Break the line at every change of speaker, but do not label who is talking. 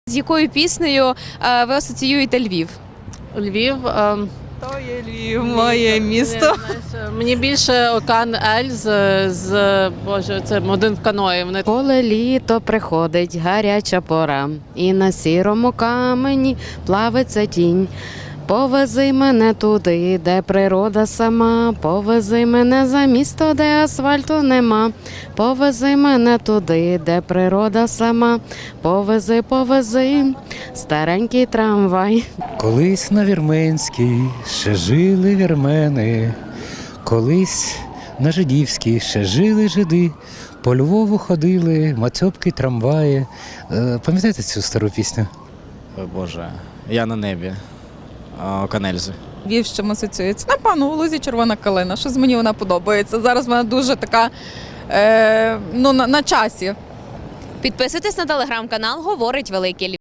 З якою піснею ви асоціюєте Львів?
Львів.
То є Львів, моє місто.
Мені більше Океан Ель Боже, це один в каної. Вони
Коли літо приходить гаряча пора, і на сірому камені плавиться тінь. Повези мене туди, де природа сама, повези мене за місто, де асфальту нема. Повези мене туди, де природа сама, повези, повези, старенький трамвай.
Колись на Вірменській ще жили вірмени, колись на Жидівській ще жили жиди, по Львову ходили мацьопки, трамваї. Пам'ятаєте цю стару пісню?
Ой, Боже, я на небі. Канельзи.
Львів з чим асоціюється? Напевно, у Лузі червона калина. Щось мені вона подобається. Зараз вона дуже така на часі.
Підписуйтесь на телеграм-канал «Говорить Великий Львів».